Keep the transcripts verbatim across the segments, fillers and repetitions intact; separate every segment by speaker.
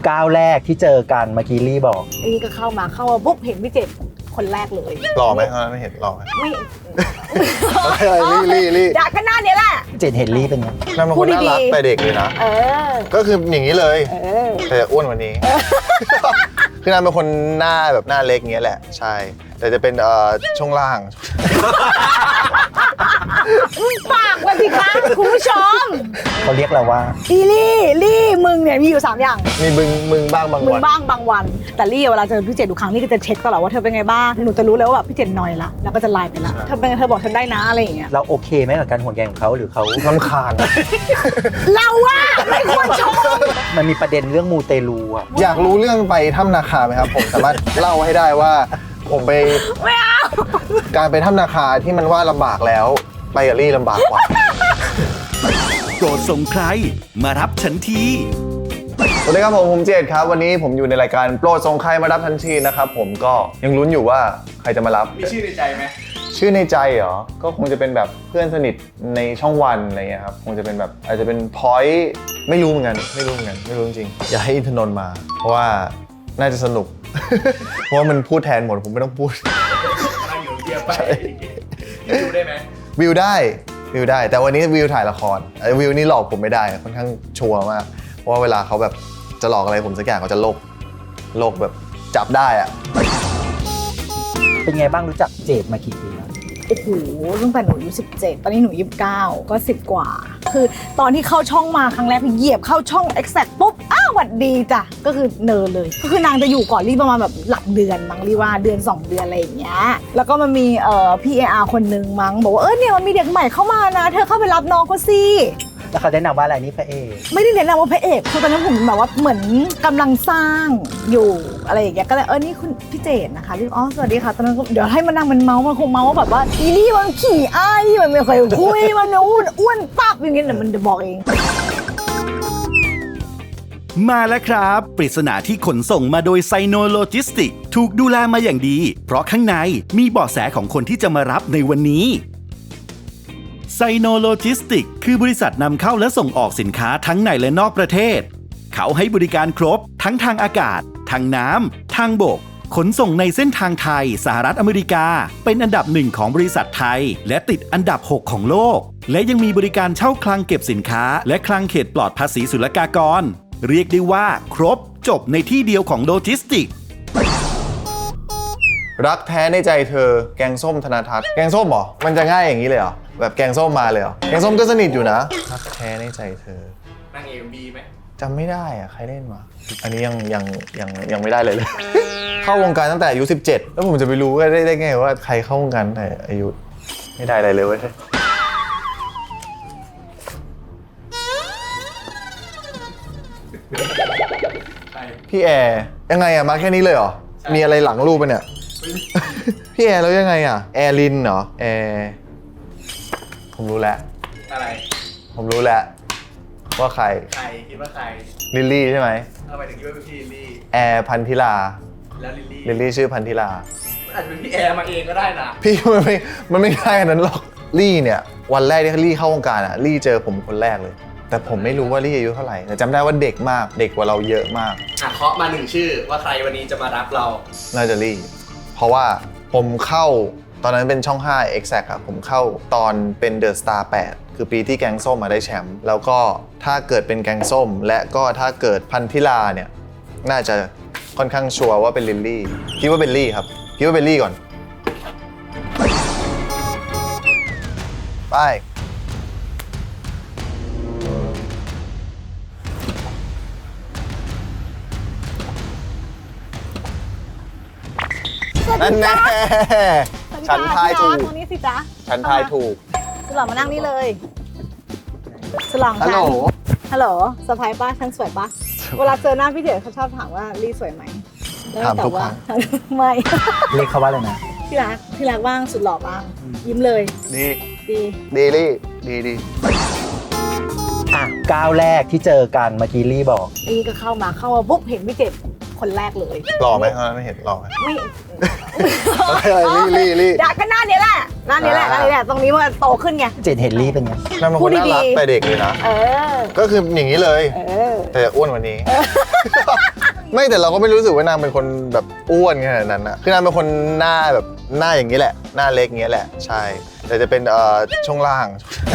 Speaker 1: ก้าวแรกที่เจอกันเมื่อกี้ลี่บอก
Speaker 2: นี่ก็เข้ามาเข้ามาปุ๊บเห็นพี่เจ็ดคนแรกเลย
Speaker 3: หล่อไหมตอนนั้นไม่เห็นหล่อไหม
Speaker 2: ไม่
Speaker 3: ลี่ลี่ลี่
Speaker 2: อยากก็หน้าเนี้ยแหละ
Speaker 1: เจ็ดเห็นลี่เป็นไง
Speaker 3: น่าเป็นคนน่ารักแต่เด็กเลยนะ
Speaker 2: เออ
Speaker 3: ก็คืออย่างนี้เลยแต่อ้วนกว่านี้คือน่าเป็นคนหน้าแบบหน้าเล็กเงี้ยแหละใช่แต่จะเป็นเอ่อช่วงล่าง
Speaker 2: ปากวันสิคะคุณผู้ชม
Speaker 1: เขาเรียกเราว่า
Speaker 2: อีลี่ลี่มึงเนี่ยมีอยู่สามอย่าง
Speaker 3: มีมึงมึงบ้างบางวัน
Speaker 2: มึงบ้างบางวันแต่ลี่เวลาเจอพี่เจดทุกครั้งลี่ก็จะเช็คตลอดว่าเธอเป็นไงบ้างหนูจะรู้แล้วว่าพี่เจดนอยละแล้วก็จะไลน์ไปละเธอเป็นเธอบอกฉันได้นะอะไรอย่างเงี้ย
Speaker 1: เราโอเคไหมกับการห่วงใยของเขาหรือเขา
Speaker 3: รำคาญ
Speaker 2: เราว่าไม่ควรชม
Speaker 1: มันมีประเด็นเรื่องมูเตลูอะ
Speaker 3: อยากรู้เรื่องไปถ้ำนาคาไหมครับผมสามารถเล่าให้ได้ว่าผมไป
Speaker 2: ไม่เอา
Speaker 3: การไปถ้ำนาคาที่มันว่าลำบากแล้วไปกับลี่ลำบากกว่า
Speaker 4: โปรดส่งใครมารับฉันที
Speaker 3: สวัสดีครับผมผมเจดครับวันนี้ผมอยู่ในรายการโปรดส่งใครมารับทันทีนะครับผมก็ยังลุ้นอยู่ว่าใครจะมารับ
Speaker 5: มีชื่อในใจไหม
Speaker 3: ชื่อในใจเหรอก็คงจะเป็นแบบเพื่อนสนิทในช่องวันอะไรเงี้ยครับคงจะเป็นแบบอาจจะเป็นพอยต์ไม่รู้เหมือนกันไม่รู้เหมือนกันไม่รู้จริงๆอย่าให้อินทนนท์มาเพราะว่าน่าจะสนุกเพราะว่ามันพูดแทนหมดผมไม่ต้องพูด
Speaker 5: อะไรอยู่เดียวไปวิวได้ไหม
Speaker 3: วิวได้วิวได้แต่วันนี้วิวถ่ายละครวิวนี่หลอกผมไม่ได้ค่อนข้างชัวร์มากเพราะว่าเวลาเขาแบบจะหลอกอะไรผมสักอย่างเขาจะโลกโลกแบบจับได้อะ
Speaker 1: เป็นไงบ้างรู้จักเจดมากี่ปีแล้ว
Speaker 2: โอ้โหตั้งแต่หนูอายุสิบเจ็ดตอนนี้หนูยี่สิบเก้าก็สิบกว่าคือตอนที่เข้าช่องมาครั้งแรกเหยียบเข้าช่อง Exact ปุ๊บอ้าวหวัดดีจ้ะก็คือเนินเลยก็คือนางจะอยู่ก่อนรีประมาณแบบหลักเดือนมั้งรีว่าเดือนสองเดือนอะไรอย่างเงี้ยแล้วก็มันมีเอ่อพี่ เอ อาร์ คนนึงมั้งบอกว่าเออเนี่ยมันมีเด็กใหม่เข้ามานะเธอเข้าไปรับน้องเขาสิ
Speaker 1: แล้วเขาแนะนำว่าอะไรนี่พระเอก
Speaker 2: ไม่ได้แนะนำว่าพระเอกคือตอนนั้นผมแบบว่าเหมือนกำลังสร้างอยู่อะไรอย่างเงี้ยก็เลยเออนี่คุณพี่เจดนะคะที่อ๋อสวัสดีค่ะตอนนั้นเดี๋ยวให้มันนั่งมันเมาส์มันคงเมาส์ว่าแบบว่าอีนี่มันขี่อ้ายมันไม่เคยคุยมันอ้วนอ้วนตับอย่างเงี้ยเดี๋ยวมันจะบอกเอง
Speaker 4: มาแล้วครับปริศนาที่ขนส่งมาโดยไซโนโลจิสติกถูกดูแลมาอย่างดีเพราะข้างในมีเบาะแสของคนที่จะมารับในวันนี้ไซโนโลจิสติกคือบริษัทนำเข้าและส่งออกสินค้าทั้งในและนอกประเทศเขาให้บริการครบทั้งทางอากาศทางน้ำทางบกขนส่งในเส้นทางไทยสหรัฐอเมริกาเป็นอันดับหนึ่งของบริษัทไทยและติดอันดับหกของโลกและยังมีบริการเช่าคลังเก็บสินค้าและคลังเขตปลอดภาษีศุลกากรเรียกได้ว่าครบจบในที่เดียวของโลจิสติก
Speaker 3: รักแท้ในใจเธอแกงส้มธนทัศน์แกงส้มเหรอมันจะง่ายอย่างนี้เลยเหรอแบบแกงส้มมาเลยเหรอแกงส้มก็สนิทอยู่นะรักแท้ในใจเธอน
Speaker 5: างเอ็มบีไหม
Speaker 3: จำไม่ได้อะใครเล่นมาอันนี้ยังยังยังยังไม่ได้เลยเลย เข้าวงการตั้งแต่อายุสิบเจ็ดแล้วผมจะไปรู้ได้ได้ไงว่าใครเข้าวงการแต่อายุไม่ได้อะไรเลยเว้ยพี่แอร์ยังไงอะมาแค่นี้เลยเหรอมีอะไรหลังรูปปะเนี่ยพี่แอร์แล้วยังไงอะแอร์ลินเหรอแอร์ผมรู้แล้ว
Speaker 5: อะไร
Speaker 3: ผมรู้แล้วว่าใคร
Speaker 5: ใครคิดว่าใคร
Speaker 3: ลิลลี่ใช่ไหม
Speaker 5: ทำไมถึงคิดว่าเป็นพี่ลิลลี่
Speaker 3: แอร์พันธิลา
Speaker 5: แล้วลิลลี่
Speaker 3: ลิลลี่ชื่อพันธิลา
Speaker 5: อาจจะเป็นพี่แอร์มาเองก็ได้นะ
Speaker 3: พี่มันไม่มันไม่ได้ขนาดนั้นหรอกลี่เนี่ยวันแรกที่ลี่เข้าวงการอะลี่เจอผมคนแรกเลยแต่ผมไม่รู้ว่าลี่อายุเท่าไหร่แต่จำได้ว่าเด็กมากเด็กกว่าเราเยอะมาก
Speaker 5: อ่ะเคาะมาหนึ่งชื่อว่าใครวันนี้จะมารับเรา
Speaker 3: น่าจะลี่เพราะว่าผมเข้าตอนนั้นเป็นช่องห้า Exact อะผมเข้าตอนเป็น The Star แปดคือปีที่แกงส้มมาได้แชมป์แล้วก็ถ้าเกิดเป็นแกงส้มและก็ถ้าเกิดพันธิลาเนี่ยน่าจะค่อนข้างชัวร์ว่าเป็นลิลลี่คิดว่าเป็นลี่ครับคิดว่าเป็นลี่ก่อนไปนั่นแน่ฉันทายถูก
Speaker 2: ตรงนี้สิจ๊ะ
Speaker 3: ฉันทายถูก
Speaker 2: สลองมานั่งนี่เลยสลองฮัลโหลฮัลโหลสะพายป้าฉันสวยป้าเวลาเจอหน้าพี่เจ๋เขาชอบถามว่าลี่สวยไหม
Speaker 3: ถามทุกครั้ง
Speaker 2: ไม่
Speaker 1: เรียกเขาว่าอะไรนะ
Speaker 2: ที่รักที่รักบ้างสุดหล่อบ้างยิ้มเลย
Speaker 3: ดี
Speaker 2: ดี
Speaker 3: ดีลี่ดีดี
Speaker 1: อ่ะก้าวแรกที่เจอกันเมื่อกี้ลี่บอก
Speaker 2: ลี่ก็เข้ามาเข้ามาปุ๊บเห็นพี่เจ๋คนแรกเลย
Speaker 3: หล่อไหมตอนนั้นไม่เห็นหล่อไหม
Speaker 2: ไม่
Speaker 3: ลี่ลี่ลี่
Speaker 2: อยากก็หน้านี้แหละหน้านี้แหละหน้านี้แหละตรงนี้มันโตขึ้นไง
Speaker 1: เจดเห็นลี่เป็นไง
Speaker 3: น่าเป็นคนน่ารักแต่เด็กเลยนะ
Speaker 2: เออ
Speaker 3: ก็คืออย่างนี้เลย
Speaker 2: เออ
Speaker 3: แต่อ้วนกว่านี้ไม่แต่เราก็ไม่รู้สึกว่านางเป็นคนแบบอ้วนขนาดนั้นอะคือนางเป็นคนหน้าแบบหน้าอย่างนี้แหละหน้าเล็กอย่างนี้แหละใช่แต่จะเป็นเอ่อช่วงล่าง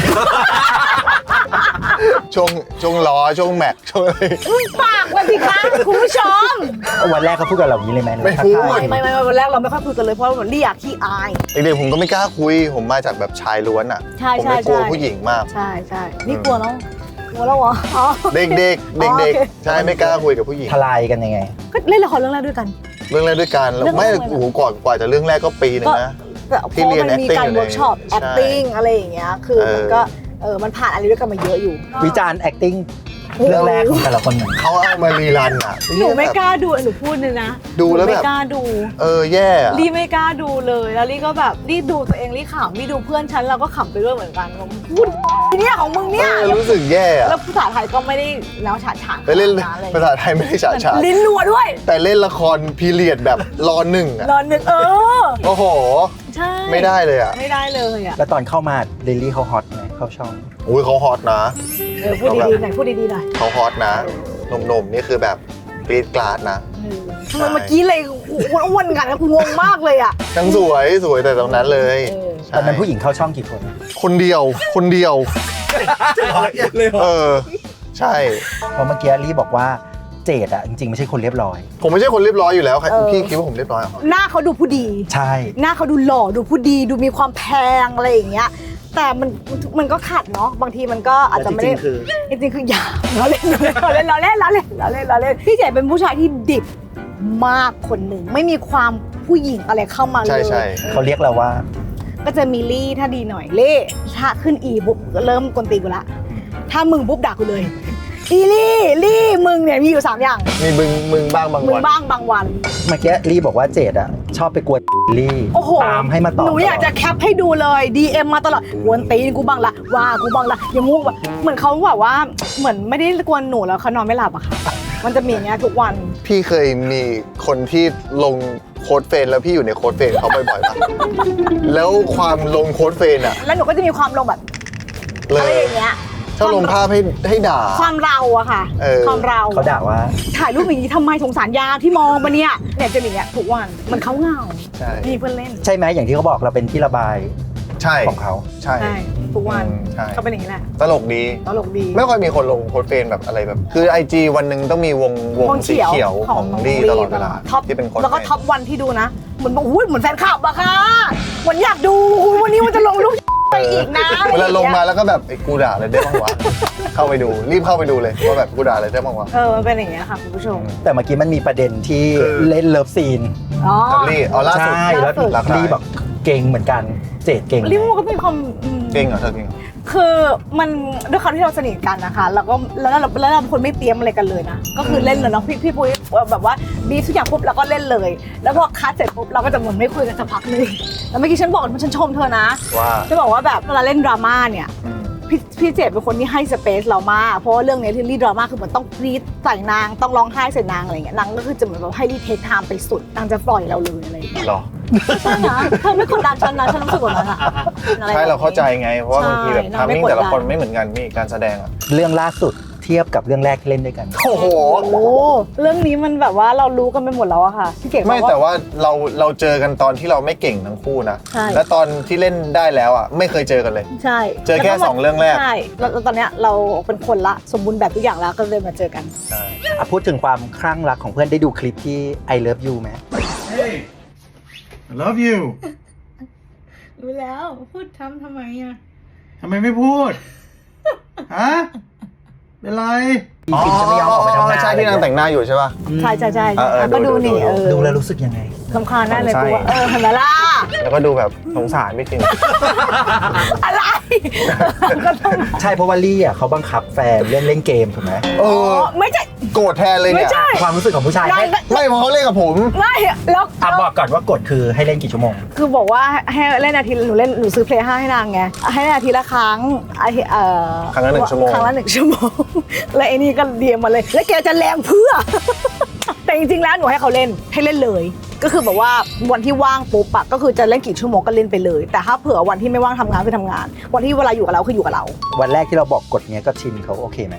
Speaker 3: ช่วงช่วงล้อช่วงแม็กช่วงอะไร
Speaker 2: มึงปากมาสิคะคุณผู้ชม
Speaker 1: วันแรกเขาพูดกับเราอย่างนี้เลยไหมหรือว่า
Speaker 3: ไม่พูด
Speaker 1: ทักทาย
Speaker 2: ไม่ไม่ไม่วันแรกเราไม่ค่อยคุยกันเลยเพราะว่าเหมือนเรียกขี้อาย
Speaker 3: เด็กๆผมก็ไม่กล้าคุยผมมาจากแบบชายล้วนอะ
Speaker 2: ใช่
Speaker 3: ผม
Speaker 2: ใช่
Speaker 3: ไม่กลัว
Speaker 2: ใช่
Speaker 3: ผู้หญิงมาก
Speaker 2: ใช่ใช่นี่กลัวแล้วกลัวแล้วเหรออ๋อ
Speaker 3: เด็กๆ เด็ก
Speaker 2: อ๋อ
Speaker 3: เด็ก
Speaker 2: โอเค
Speaker 3: ใช่ไม่กล้าคุยกับผู้หญิง
Speaker 1: ทลายกันยังไง
Speaker 2: ก็เล่นละครเรื่องแรกด้วยกัน
Speaker 3: เรื่องแรกด้วยกันแล้ว
Speaker 2: เรื่อง
Speaker 3: ไม่
Speaker 2: แรกเลย
Speaker 3: โอ้โหก่อนกว่าจะเรื่องแรกก็ปีหนึงนะ
Speaker 2: แต่พ
Speaker 3: ที่
Speaker 2: อ
Speaker 3: เรียน
Speaker 2: มันมี
Speaker 3: acting
Speaker 2: การ
Speaker 3: อยู่เลย
Speaker 2: เวิร์กช็อป
Speaker 3: ใช่
Speaker 2: acting อะไรอย่างเงี้ยคือ
Speaker 3: เออ
Speaker 2: มันก็เออมันผ่านอะไรด้วยกันมาเยอะอยู่
Speaker 1: วิจารณ์ acting เรื่องแรกของแต่ละคนหนึ่ง
Speaker 3: เขาเอามารีรันอ่ะ
Speaker 2: หนูไม่กล้าดูหนูพูดเลยนะ
Speaker 3: ดูแล้ว
Speaker 2: หนู
Speaker 3: แบบ
Speaker 2: ไม่กล้าดู
Speaker 3: เออแย่อะ
Speaker 2: ลี่ไม่กล้าดูเลยแล้วลี่ก็แบบลี่ดูตัวเองลี่ขำลี่ดูเพื่อนฉันเราก็ขำไปด้วยเหมือนกันว่าพูดเนี่ยของมึง
Speaker 3: เอ
Speaker 2: เนี่ย
Speaker 3: อรู้สึกแย่อะ
Speaker 2: แล้วภาษาไทยก็ไม่ได้แล้วฉาดฉาน
Speaker 3: ไปเล่น
Speaker 2: ขนาดอะไร
Speaker 3: ภาษาไทยไม่ได้ฉาดฉาน
Speaker 2: ลิ้นรัวด้วย
Speaker 3: แต่เล่นละครพีเรียดแบบรอหนึ่งอ่ะ
Speaker 2: นอนหนึ่งเออ
Speaker 3: โอ้โห
Speaker 2: ใช่
Speaker 3: ไม่ได้เลยอ่ะ
Speaker 2: ไม่ได้เลยอ่ะ
Speaker 1: แล้วตอนเข้ามาลิลลี่เขาฮอตไหมเข้าช่อง
Speaker 3: อุ้ยเขาฮอตนะ
Speaker 2: เออพูดดีๆหน่อยพูดดีๆหน่อย
Speaker 3: เขาฮอตนะหนุ่มๆนี่คือแบบกรี๊ดกราดนะ
Speaker 2: เออทำไมเมื่อกี้เลยอ้วนๆกันนะกูงงมากเลยอ่ะ
Speaker 3: ทั้งสวยสวยแต่ตรงนั้นเลย
Speaker 2: เออ
Speaker 3: ใช่
Speaker 1: ตอนนั้นผู้หญิงเข้าช่องกี่คน
Speaker 3: คนเดียวคนเดียว เออ ใช่
Speaker 1: เพราะเมื่อกี้ลี่บอกว่าเจดอะจริงๆไม่ใช่คนเรียบร้อย
Speaker 3: ผมไม่ใช่คนเรียบร้อยอยู่แล้วใครพี่คิดว่าผมเรียบร้อยเหรอ
Speaker 2: หน้าเขาดูผู้ดี
Speaker 1: ใช่
Speaker 2: หน้าเขาดูหล่อดูผู้ดีดูมีความแพงอะไรอย่างเงี้ยแต่มันมันก็ขัดเนาะบางทีมันก็อาจจะไม่ได้จริงๆคืออย่าเราเล่นเราเล่นเราเล่นเราเล่นเราเล่นเราเล่นพี่เจ๋เป็นผู้ชายที่ดิบมากคนหนึ่งไม่มีความผู้หญิงอะไรเข้ามาเลย
Speaker 3: ใช่ใช่
Speaker 1: เขาเรียกเราว่า
Speaker 2: ก็จะมีลี่ถ้าดีหน่อยเล่ถ้าขึ้นอีปุ๊บก็เริ่มกวนตีนกูละถ้ามึงปุ๊บด่ากูเลยอีลี่ลี่มึงเนี่ยมีอยู่สามอย่าง
Speaker 3: มีมึงมึงบ้างบาง
Speaker 2: มึง
Speaker 3: วัน
Speaker 2: บ้างบางวัน
Speaker 1: เมื่อกี้ลี่บอกว่าเจดอะชอบไปกวนลี่
Speaker 2: โอ้โห
Speaker 1: ตามให้มาตอบ
Speaker 2: หนูอยากจะแคปให้ดูเลย ดี เอ็ม มาตลอดกวนตีนกูบ้างละว่ากูบ้างละอย่างงูแบบเหมือนเขาแบบว่าเหมือนไม่ได้กวนหนูแล้วเขานอนไม่หลับอะค่ะมันจะมีอย่างเงี้ยทุกวัน
Speaker 3: พี่เคยมีคนที่ลงโค้ดเฟรนแล้วพี่อยู่ในโค้ดเฟรนเขาบ่อยๆป่ะ แล้วความลงโค้ดเฟรนอะ
Speaker 2: แล้วหนูก็จะมีความลงแบบ
Speaker 3: เล
Speaker 2: อะไร
Speaker 3: ย
Speaker 2: อย่างเงี้ย
Speaker 3: ถ้าลงภาพให้ให้ด่า
Speaker 2: ความเราอะค่ะ
Speaker 3: เออ
Speaker 2: ความเรา
Speaker 1: เขาด่าว่า
Speaker 2: ถ่ายรูปอย่างนี้ทำไมสงสารยาที่มองมาเนี่ยเนี่ยจะมีอย่างเงี้ยทุกวันมันเขาเหงา
Speaker 3: ใช่
Speaker 2: มีเพื่อนเล่น
Speaker 1: ใช่ไหมอย่างที่เขาบอกเราเป็นที่ระบาย
Speaker 3: ใช่
Speaker 1: ของเขา
Speaker 3: ใช่
Speaker 2: ใช่ทุกวัน
Speaker 3: อืมใช่
Speaker 2: เขาเป็นอย่างนี้แหละ
Speaker 3: ตลกดี
Speaker 2: ตลกดี
Speaker 3: ไม่ค่อยมีคนลงโค้ดเฟรนแบบอะไรแบบ คือ ไอ จี วันหนึ่งต้องมีวงวง
Speaker 2: วง
Speaker 3: สี
Speaker 2: เขียว
Speaker 3: เขียวของ
Speaker 2: น้
Speaker 3: ดีตลอดเวลา
Speaker 2: ท็อป
Speaker 3: ที่เป็นโค้ด
Speaker 2: แล้วก็
Speaker 3: เฟรน
Speaker 2: ท็อปวันที่ดูนะเหมือนบอกอุ้ยเหมือนแฟนคลับอะค่ะเหมือนอยากดูอุ๊ยวันนี้มันจะลงรูปไปอีกนะ
Speaker 3: เวลาลงมาแล้วก็แบบไอ้กูด่าอะไรได้บ้างวะ เข้าไปดูรีบเข้าไปดูเลยว่าแบบกูด่าอะไรได้บ้างวะ
Speaker 2: เออมันเป็นอย่างเงี้ยค่ะคุณผู้ชม
Speaker 1: แต่เมื่อกี้มันมีประเด็นที่
Speaker 3: คือ
Speaker 1: เล่นเลิฟซีน
Speaker 2: อ๋อ
Speaker 3: กับลี่อ๋อล่าสุด
Speaker 1: ใช่แล้ว
Speaker 2: ล่าสุด
Speaker 1: ลี่บอกเก่งเหมือนกันเจดเก่งไหม
Speaker 2: ลิมูก็มีความอืม
Speaker 3: เก่งเหรอเธอเก่งเหรอ
Speaker 2: คือมันด้วยความที่เราสนิทกันนะคะแล้วก็แล้วเราแล้วเราเป็นคนไม่เตรียมอะไรกันเลยนะก็คือเล่นเลยเนาะพี่พี่ปุ้ยแบบว่าบีทุกอย่างปุ๊บเราก็เล่นเลย แล้วพอคัดเสร็จปุ๊บเราก็จะเหมือนไม่คุยกันสักพักนึงแล้วเมื่อกี้ฉันบอกฉันชมเธอนะ
Speaker 3: ว่า
Speaker 2: จะบอกว่าแบบเวลาเล่นดราม่าเนี่ย
Speaker 3: อืม
Speaker 2: พี่พี่เจดเป็นคนที่ให้สเปซเรามากเพราะว่าเรื่องนี้ที่รีดราม่าคือเหมือนต้องกรี๊ดใส่นางต้องร้องไห้ใส่นางอะไรอย่างเงี้ยนางก็คือจะเหมือนแบบให้รีเทคไทม์ไปสุดนางจะปล่อยเราเลยอะไรอย่างเงี้ย
Speaker 3: หรอ
Speaker 2: ใช่นะเธอไม่กดดันฉันนะฉันรู้สึกแบบนั้นอะอะไร
Speaker 3: ใช่เราเข้าใจไง เพราะว่า
Speaker 2: ใช่
Speaker 3: บางทีแบบ
Speaker 2: เรา
Speaker 3: ทาม
Speaker 2: ไม่
Speaker 3: มิ่ง
Speaker 2: กดดัน
Speaker 3: แต่ละคนไม่เหมือนกันมีการแสดงอ่ะ
Speaker 1: เรื่องล่าสุดเทียบกับเรื่องแรกที่เล่นด้วยกัน
Speaker 3: โอ้โห
Speaker 2: โอ้เรื่องนี้มันแบบว่าเรารู้กันไปหมดแล้วอะค่ะพี่เก๋บอก
Speaker 3: ไม่
Speaker 2: ว่า
Speaker 3: แต่ว่าเราเราเจอกันตอนที่เราไม่เก่งทั้งคู่นะ
Speaker 2: ใช่
Speaker 3: และตอนที่เล่นได้แล้วอ่ะไม่เคยเจอกันเลย
Speaker 2: ใช่
Speaker 3: เจอแค่
Speaker 2: ล้วก็
Speaker 3: สองเรื่องแรก
Speaker 2: ใช่แล้วแล้วตอนเนี้ยเราเป็นคนละสมบูรณ์แบบทุกอย่างแล้วก็เลยมาเจอกัน
Speaker 3: ใช่
Speaker 1: อ่ะพูดถึงความคลั่งรักของเพื่อนได้ดูคลิปที่ I love you ไหม
Speaker 5: Hey I love you
Speaker 2: รู้แล้วพูดทำทำไมอะ
Speaker 5: ทำไมไม่พูด ฮะ เป็นไร
Speaker 1: จริงๆจะไม่ยอมออกไปทำงาน
Speaker 3: ใช่ที่นางแต่งหน้าอยู่ใช่ป่ะ
Speaker 2: ใช่ใช่ใช่
Speaker 3: เออเออ
Speaker 2: ก็
Speaker 3: ดู
Speaker 2: ดูนี่
Speaker 3: ดู
Speaker 2: เออ
Speaker 1: ดูแล้วรู้สึกยังไง
Speaker 2: สำคัญแน่เลย
Speaker 3: ใช่
Speaker 2: กูว่าเออเห็นไหมล่ะ
Speaker 3: แล้วก็ดูแบบสงสารพี่คิง
Speaker 2: อะไรก็ต้อง
Speaker 1: ใช่เพราะว่าลี่อ่ะเขาบังคับแฟนเล่นเล่นเกมถูกไหม
Speaker 3: เอ
Speaker 2: อ๋
Speaker 3: อ
Speaker 2: อไม่ใช่
Speaker 3: โกรธแทนเลย
Speaker 2: ไม่
Speaker 3: เนี่ย
Speaker 2: ใช่
Speaker 1: ความรู้สึกของผู้ชาย
Speaker 2: นาง
Speaker 1: ให้
Speaker 3: ไม่เพราะเขาเล่นกับผม
Speaker 2: ไม่แล้ว
Speaker 1: อ่ะบอกก่อนว่ากฎคือให้เล่นกี่ชั่วโมง
Speaker 2: คือบอกว่าให้เล่นอาทิตย์หนูเล่นหนูซื้อเพลย์ห้าให้นางไงให้เล่นอาทิตย์ละครั้งอาทิตย์เอ่อ
Speaker 3: ครั้งละหนึ่งชั่วโมง
Speaker 2: ครั้งละหนึ่งชั่วโมง แล้วไอ้นี่ก็เดียมมาเลย แล้วแกจะแรงเพื่อ แต่จริงๆแล้วหนูให้เขาเล่นให้เล่นเลย ก็คือแบบว่าวันที่ว่างปุ๊บอะก็คือจะเล่นกี่ชั่วโมงก็เล่นไปเลย แต่ถ้าเผื่อวันที่ไม่ว่างทำงานคือทำงาน วันที่เวลาอยู่กับเราคืออยู่กับเรา
Speaker 1: วันแรกที่เราบอกกฎเนี้ยก็ชินเขาโอเคไหม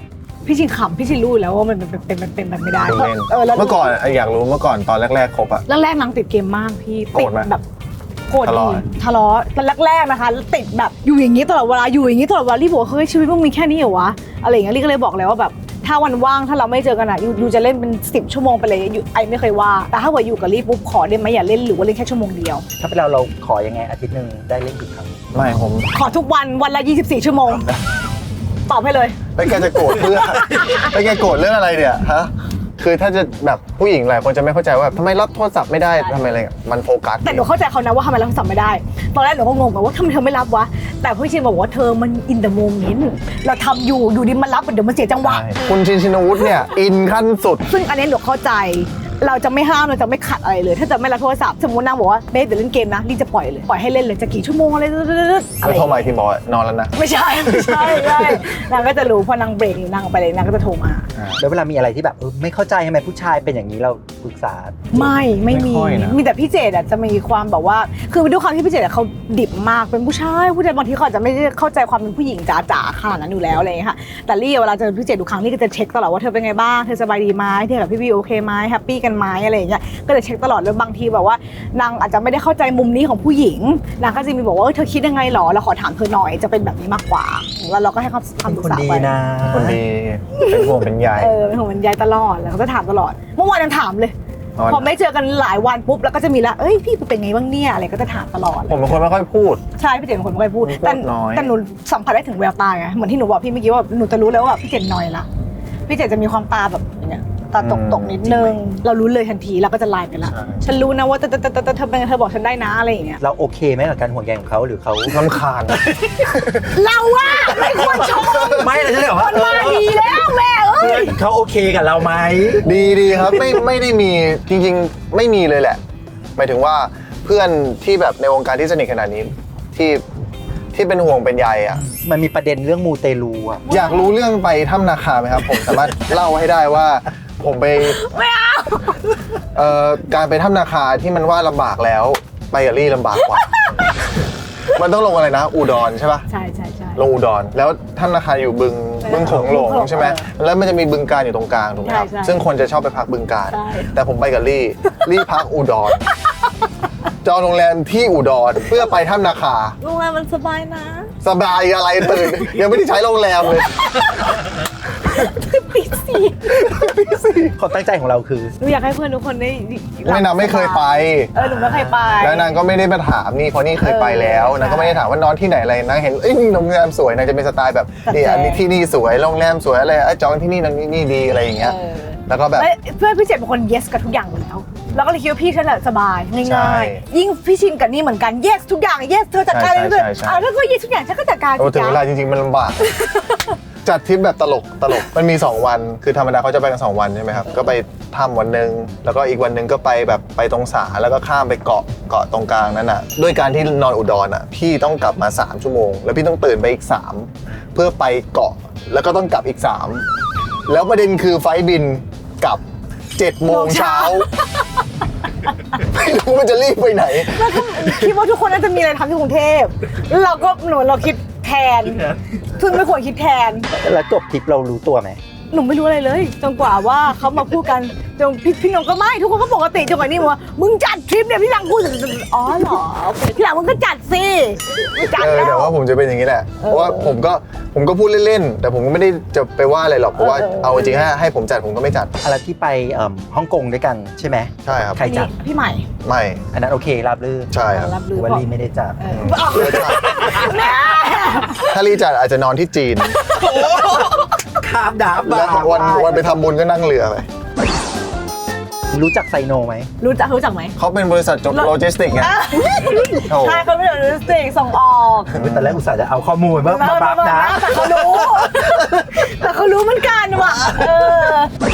Speaker 2: พี่ชิงขำพี่ชิงรู้แล้วว่ามันเป็นเป็นเป็นเป็นแบบไม่ได้
Speaker 3: เล่น
Speaker 2: เออแล้ว
Speaker 3: เมื่อก่อนอยากรู้เมื่อก่อนตอนแรกๆคบอะ
Speaker 2: แรกๆนางติดเกมมากพี่
Speaker 3: โกร
Speaker 2: ติ
Speaker 3: ธ
Speaker 2: ด
Speaker 3: ไหม
Speaker 2: แบบโกรธ
Speaker 3: ทะเลาะ
Speaker 2: ทะเลาะตอนแรกๆนะคะแล้วติดแบบอยู่อย่างนี้ตลอดเวลาอยู่อย่างนี้ตลอดเวลารีบบอกว่าเฮ้ยชีวิตมึงมีแค่นี้เหรอวะอะไรอย่างเงี้ยรีก็เลยบอกเลยว่าแบบถ้าวันว่างถ้าเราไม่เจอกันอ่ะยูยูจะเล่นเป็นสิบชั่วโมงไปเลยยูไอไม่เคยว่าแต่ถ้าว่าอยู่กับรีปุ๊บขอได้ไหมอย่าเล่นหรือว่าเล่นแค่ชั่วโมงเดียว
Speaker 1: ถ้าเป็นเราเราขอยังไงอาทิตย์หนึ่งได้เล่นกี่ครั้ง
Speaker 3: ไม่ผม
Speaker 2: ขอทุกวันวันละยี่สิบสี่ชั่วโมงตอบให้เลย
Speaker 3: ไปแกจะโกรธเพื่อ ไปแกโกรธเรื่องอะไรเนี่ยฮะคือถ้าจะแบบผู้หญิงหลายคนจะไม่เข้าใจว่าทำไมรับโทรศัพท์ไม่ได้ทำไมอะไรเงี้ยมันโฟกัส
Speaker 2: แต่หนูเข้าใจเขานะว่าทำไมเราสั่งไม่ได้ ตอนแรกหนูก็งงแบบว่าทำไมเธอไม่รับวะ แต่พี่ชินบอกว่าเธอมันอินเดอะโมเมนต์เราทำอยู่อยู่ดีมันรับเดี๋ยวมันเสียจังหวะ
Speaker 3: ใช่คุณชินชินวุฒิเนี่ย อินขั้นสุด
Speaker 2: ซึ่งอันนี้หนูเข้าใจ เราจะไม่ห้ามเราจะไม่ขัดอะไรเลย ถ้าจะไม่รับโทรศัพท์สมมตินางบอกว่าเบสเดี๋ยวเล่นเกมนะรีจะปล่อยเลยปล่อยให้เล่นเลยจะกี่ชั่วโมงอะไรอะไร
Speaker 3: แล้วโทรมาอีกทีบอกว่านอนแล้วนะ
Speaker 2: ไม่ใช่ไม่ใช่ไม่ใช่นางก็จะรู้พอนางเบรกนางออกไปเลยนางก็จะโทรมา
Speaker 1: แล้วเวลามีอะไรที่แบบเออไม่เข้าใจทำไมผู้ชายเป็นอย่างนี้เราปรึกษา
Speaker 2: ไม่ไม่มี
Speaker 3: ไม่ค่อยนะ
Speaker 2: มีแต่พี่เจดอะจะมีความแบบว่าคือด้วยความที่พี่เจดอะเขาดิบมากเป็นผู้ชายผู้ชายบางทีเขาอาจจะไม่ได้เข้าใจความเป็นผู้หญิงจ๋าๆขนาดนั้นอยู่แล้วอะไรอย่างเงี้ยค่ะแต่ลี่เวลาเจอพี่เจดทุกครั้งลี่ก็จะเช็คตลอดว่าเธอเป็นไงบ้างเธอสบายดีไหมเธอกับพี่วีโอเคไหมแฮปปี้กันไหมอะไรอย่างเงี้ยก็จะเช็คตลอดแล้วบางทีแบบว่านางอาจจะไม่ได้เข้าใจมุมนี้ของผู้หญิงนางก็จะมีบอกว่าเออเธอคิดยังไงหรอเราขอถามเธอหน่อยจะเป็นแบบนี้มากกว่าแล้วเราก็ให้คำ
Speaker 1: เป็น
Speaker 2: คำปรึ
Speaker 1: ค
Speaker 2: ก
Speaker 1: น
Speaker 2: ษา
Speaker 1: ดี
Speaker 2: ไป
Speaker 1: นะ
Speaker 3: คนดีเป็นห่วงเป็นใย
Speaker 2: เออเป็นของมันยายตลอดแล้วก็จะถามตลอดเมื่อวานยังถามเลย
Speaker 3: อ๋อ
Speaker 2: พอไม่เจอกันหลายวันปุ๊บแล้วก็จะมีละเอ้ยพี่เป็นไงบ้างเนี่ยอะไรก็จะถามตลอด
Speaker 3: ผมเป็นคนไม่ค่อยพูด
Speaker 2: ใช่พี่เจนเป็นคนไม่ค่อยพูด
Speaker 3: พูด
Speaker 2: แต่
Speaker 3: น้อย
Speaker 2: แต่หนูสัมผัสได้ถึงแววตาไงเหมือนที่หนูบอกพี่เมื่อกี้ว่าหนูจะรู้แล้วว่าพี่เจนนอยละพี่เจนจะมีความตาแบบอย่างเงี้ยตาตกตกๆนิดนึงเรารู้เลยทันทีเราก็จะไลน์ไปละฉันรู้นะว่าเธอเธอเธอเธอเธอเป็นไงเธอบอกฉันได้นะอะไรอย่างเงี้ย
Speaker 1: เราโอเคไหมกับการห่วงใยของเขาหรือเขา
Speaker 3: ลำคาญ
Speaker 2: เราว่าไม่ควรชม
Speaker 1: ไม่เลยใช่ไหม
Speaker 2: คนมาดีแล้วแม่เอ้ย
Speaker 1: เขาโอเคกับเราไหม
Speaker 3: ดีดีครับไม่ไม่ได้มีจริงๆ ไม่มีเลยแหละหมายถึงว่าเพื่อนที่แบบในวงการที่สนิทขนาดนี้ที่ที่เป็นห่วงเป็นใยอ่ะ
Speaker 1: มันมีประเด็นเรื่องมูเตลูอะ
Speaker 3: อยากรู้เรื่องไปถ้ำนาคาไหมครับ ผมสามารถเล่าให้ได้ว่าผมไป
Speaker 2: ไม่เอา
Speaker 3: เอ่อการไปถ้ำนาคาที่มันว่าลำบากแล้วไปกับลี่ลำบากกว่า มันต้องลงอะไรนะ อุดรใช่ปะ
Speaker 2: ใช่ใช่ใช่
Speaker 3: ลงอุดรแล้วถ้ำนาคาอยู่บึงบึงโขงหลงใช่ไหมแล้วมันจะมีบึงการอยู่ตรงกลางถูกไหมครับ
Speaker 2: ใช่ใช่
Speaker 3: ซึ่งคนจะชอบไปพักบึงการ
Speaker 2: ใช่
Speaker 3: แต่ผมไปกับลี่ ลี่พักอุดรจองโรงแรมที่อุดรเพื่อไปถ้ำนาคา
Speaker 2: โรงแรมมันสบายนะ
Speaker 3: สบายอะไรตื่น ยังไม่ได้ใช้โรงแรมเลย
Speaker 2: ปีสี่
Speaker 1: ความตั้งใจของเราคือ
Speaker 2: หนูอยากให้เพื่อนทุกคนได้
Speaker 3: ไม่นางไม่เคยไป
Speaker 2: เออหนูไม่เคยไป
Speaker 3: แล้วนางก็ไม่ได้มาถามนี่เพราะนี่เคยไปแล้ว
Speaker 2: เออน
Speaker 3: างก็ไม่ได้ถามว่านอนที่ไหนอะไรนางเห็นเอ้ยโรงแรมสวยนางจะเป็นสไตล์แบบ
Speaker 2: จัด
Speaker 3: นี่
Speaker 2: แจง
Speaker 3: อันนี้ที่นี่สวยโรงแรมสวยอะไรอ่ะจองที่นี่นางนี่ดีอะไรอย่างเงี้ย
Speaker 2: เออ
Speaker 3: แล้วก็แบบ
Speaker 2: เอ้ยเพื่อนพี่เจดเป็นคน yes กับทุกอย่างอยู่แล้วแล้วก็เลยคิดว่าพี่ฉันแหละสบาย
Speaker 3: ใช่
Speaker 2: ง่ายๆ ยิ่งพี่ชินกับนี่เหมือนกัน yes ทุกอย่าง yes เธอจัดการ
Speaker 3: ใช่
Speaker 2: เลย
Speaker 3: ใช่
Speaker 2: เลย
Speaker 3: ใช่
Speaker 2: อ่ะถ้าก็ yes ทุกอย่างฉันก็จัดการ
Speaker 3: โอ้ถึง
Speaker 2: จ้ะ
Speaker 3: เวลาจริงๆมันลำบาก จัดทริปแบบตลกตลกมันมีสองวันคือธรรมดาเขาจะไปกันสองวันใช่ไหมครับก็ไปถ้ำวันหนึ่งแล้วก็อีกวันหนึ่งก็ไปแบบไปตรงสาแล้วก็ข้ามไปเกาะเกาะตรงกลางนั่นน่ะด้วยการที่นอนอุดรอ่ะพี่ต้องกลับมาสามชั่วโมงแล้วพี่ต้องตื่นไปอีกสามเพื่อไปเกาะแล้วก็ต้องกลับอีกสามแล้วประเด็นคือไฟล์บินกลับเจ็ดโมงเช้าไม่รู้มันจะรีบไปไหน
Speaker 2: แล้วก็คิดว่าทุกคนน่าจะมีอะไรทำที่กรุงเทพแล้วเราก็หนูเราคิดแทนซึ่งไม่ควรคิดแทน
Speaker 1: แล้วจบทริปเรารู้ตัวไหม
Speaker 2: หนูไม่รู้อะไรเลยจนกว่าว่าเขามาพูดกันจนพี่พี่นงก็ไม่ทุกคนก็ปกติจนกว่านี่บอกว่ามึงจัดทริปเนี่ยพี่หลังพูดอ๋อเหรอโอเคพี่หลังมึงก็จัดสิจัด
Speaker 3: เออ
Speaker 2: แล้ว
Speaker 3: แต่ว่าผมจะเป็นอย่างนี้แหละ เพราะว่าผมก็ผมก็พูดเล่นๆ แต่ผมก็ไม่ได้จะไปว่าอะไรหรอก เพราะว่า
Speaker 2: เออเออ
Speaker 3: เอาจริงๆให้ให้ผมจัดผมก็ไม่จัด
Speaker 1: อะไรที่ไปเอิ่มฮ่องกงด้วยกันใช่ไหม
Speaker 3: ใช่ครับ
Speaker 1: ใครจัด
Speaker 2: พี่ใหม่
Speaker 3: ไม่
Speaker 1: อันนั้นโอเคราบรื่น
Speaker 3: ใช่ครับ
Speaker 2: รับ
Speaker 1: ห
Speaker 2: รู้
Speaker 1: รือว่า
Speaker 2: บอก
Speaker 1: ลีไม่ได้จัด
Speaker 2: เออบอก
Speaker 3: เออจัด
Speaker 2: แม่
Speaker 3: ถ้ารีจัดอาจจะนอนที่จีน
Speaker 1: ข้ามดาบ
Speaker 3: แล้ววันวันไปทำบุญก็นั่งเรือไป
Speaker 1: รู้จักไซโนไหม
Speaker 2: รู้จักรู้จักไหม
Speaker 3: เขาเป็นบริษัทจบโลจิสติกส์ไง โอ้
Speaker 2: ใช่เขาเป็นโลจิสติกส์ส่งออก
Speaker 1: ตอนแรกอุตส่าห์จะเอาข้อมูลมามาบัฟนะ
Speaker 2: แต่เขารู้ แต่เขารู้เหมือนกันว่ะเออ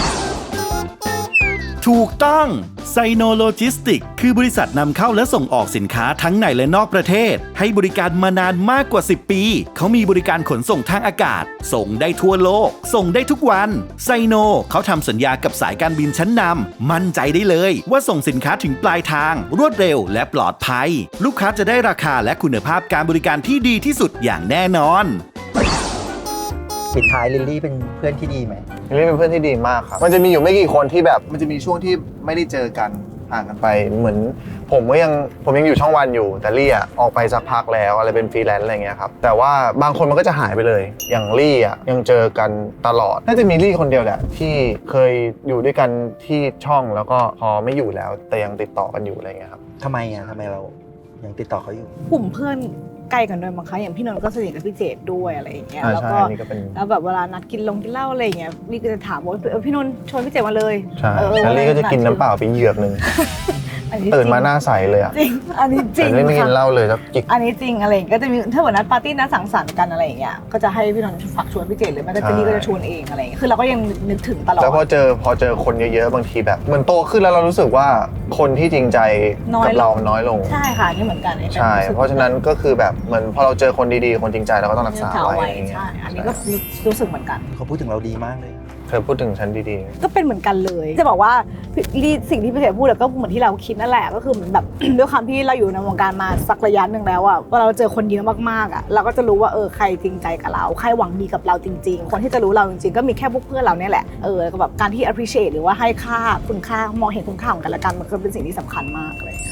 Speaker 4: ถูกต้องไซโนโลจิสติกคือบริษัทนำเข้าและส่งออกสินค้าทั้งในและนอกประเทศ ให้บริการมานานมากกว่าสิบปี เขามีบริการขนส่งทางอากาศ ส่งได้ทั่วโลก ส่งได้ทุกวันไซโนเขาทำสัญญากับสายการบินชั้นนำมั่นใจได้เลยว่าส่งสินค้าถึงปลายทาง รวดเร็วและปลอดภัย ลูกค้าจะได้ราคาและคุณภาพการบริการที่ดีที่สุดอย่างแน่นอน
Speaker 1: ปิดท้ายลิลลี่เป็นเพื่อนที่ดีไหม
Speaker 3: ลิลลี่เป็นเพื่อนที่ดีมากครับมันจะมีอยู่ไม่กี่คนที่แบบมันจะมีช่วงที่ไม่ได้เจอกันห่างกันไปเหมือนผมก็ยังผมยังอยู่ช่องวันอยู่แต่ลี่อ่ะออกไปสักพักแล้วอะไรเป็นฟรีแลนซ์อะไรเงี้ยครับแต่ว่าบางคนมันก็จะหายไปเลยอย่างลี่อ่ะยังเจอกันตลอดน่าจะมีลี่คนเดียวแหละที่เคยอยู่ด้วยกันที่ช่องแล้วก็พอไม่อยู่แล้วแต่ยังติดต่อกันอยู่อะไรเงี้ยครับ
Speaker 1: ทำไมอ่ะทำไมเรายังติดต่อเขาอยู่
Speaker 2: กลุ่มเพื่อนใกล้กันด้วยมั้งคะอย่างพี่นนท์ก็สนิทกับพี่เจดด้วยอะไรอย่างเงี้ย
Speaker 3: อ่า
Speaker 2: แล้ว
Speaker 3: ใช่
Speaker 2: ก็
Speaker 3: อันนี้ก็เป็น
Speaker 2: แล้วแบบเวลานัดกินลงกินเหล้าอะไรอย่างเงี้ยนี่ก็จะถามว่าเออพี่นนท์ชวนพี่เจดมาเลย
Speaker 3: ใช่
Speaker 2: เออ
Speaker 3: แล้วลี่ก็จะกินน้ำเปล่าไปเหยือกหนึ่ง
Speaker 2: อันนี้
Speaker 3: ตื่นมาหน้าใสเลยอ่ะ
Speaker 2: จริงอันนี้จริ
Speaker 3: แต่
Speaker 2: ง
Speaker 3: ลี่ไม่กิน
Speaker 2: ค่ะ
Speaker 3: เหล้าเลยแล้วจิก
Speaker 2: อันนี้จริงอะไรอย่างเงี้ยก็จะมีถ้าเหมือนนัดปาร์ตี้นัดสังสรรค์กันอะไรอย่างเงี้ยก็จะให้พี่นนท์ฝากชวนพี่เจดหรือไม่ก็
Speaker 3: ใช่
Speaker 2: เจนนี่ก็จะชวนเองอะไรอย่างเงี้ยคือเราก็ยังนึกถึงตลอด
Speaker 3: แล้วพอเจอพอเจอคนเยอะๆบางทีแบบเหมือนโตขึ้นแล้วเรารู้สึกว่าคนที่จริงใจ
Speaker 2: น้อย
Speaker 3: กับ
Speaker 2: ลง
Speaker 3: เราน้อยลง
Speaker 2: ใช่ค่ะนี่เหมือนกันนี่
Speaker 3: ใช่ เพราะฉะนั้นก็คือแบบเหมือนพอเราเจอคนดีๆคนจริงใจเราก็ต้องรักษา
Speaker 2: เอา
Speaker 3: ไว้
Speaker 2: ไว้
Speaker 3: อะไรอย่างเงี้ย
Speaker 2: ใช่อันนี้ก็รู้สึกเหมือนกัน
Speaker 1: เขาพูดถึงเราดีมากเลย
Speaker 3: เธอพูดถึงฉันดี
Speaker 2: ก็เป็นเหมือนกันเลย จะบอกว่าพี่สิ่งที่พี่เสกพูดก็เหมือนที่เราคิดนั่นแหละก็คือเหมือนแบบ ด้วยความที่เราอยู่ในวงการมาสักระยะหนึ่งแล้วอะว่าเราเจอคนเยอะมากๆอะเราก็จะรู้ว่าเออใครจริงใจกับเราใครหวังดีกับเราจริงๆ คนที่จะรู้เราจริงๆก็มีแค่พวกเพื่อนเราเนี่ยแหละเออแล้วก็แบบการที่ appreciate หรือว่าให้ค่าคุณค่ามองเห็นคุณค่าของกันและกันมันก็เป็นสิ่งที่สำคัญมากเลย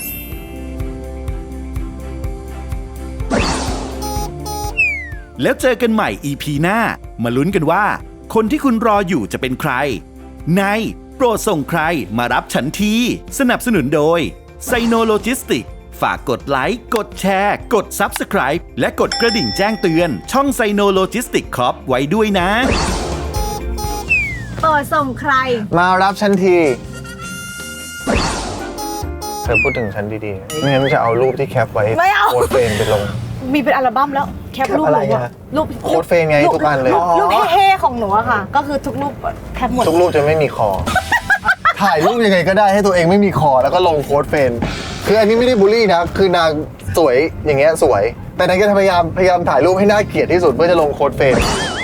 Speaker 4: แล้วเจอกันใหม่ อี พี หน้า มาลุ้นกันว่า คนที่คุณรออยู่จะเป็นใคร ในโปรดส่งใครมารับฉันทีสนับสนุนโดยไซโนโลจิสติกฝากกดไลค์ กดแชร์ กด Subscribe และกดกระดิ่งแจ้งเตือน ช่องไซโนโลจิสติกคอร์ปไว้ด้วยนะ
Speaker 2: เปิดส่งใคร
Speaker 3: ๆ มารับฉันที เธอพูดถึงฉันดีๆไม่งั้นจะเอารูปที่แคปไว้
Speaker 2: ไม่เอา
Speaker 3: โค้ดเฟรนไปลง
Speaker 2: มีเป็นอัลบั้มแล้วแคปรูป
Speaker 1: แคปอะไร
Speaker 2: หนูอะ
Speaker 1: อะ
Speaker 2: รูป
Speaker 3: โค้ดเฟรนไงทุกอันเลย
Speaker 2: รูปรูปเท่ๆของหนูอะค่ะ ก็คือทุกรูปแคปหมด
Speaker 3: ทุกรูปจะไม่มีคอ ถ่ายรูปยังไงก็ได้ให้ตัวเองไม่มีคอแล้วก็ลงโค้ดเฟรนคืออันนี้ไม่ได้บูลลี่นะ คือนางสวยอย่างเงี้ยสวย แต่นางก็พยายามพยายามถ่ายรูปให้น่าเกลียดที่สุดเพื่อจะลงโค้ดเฟรน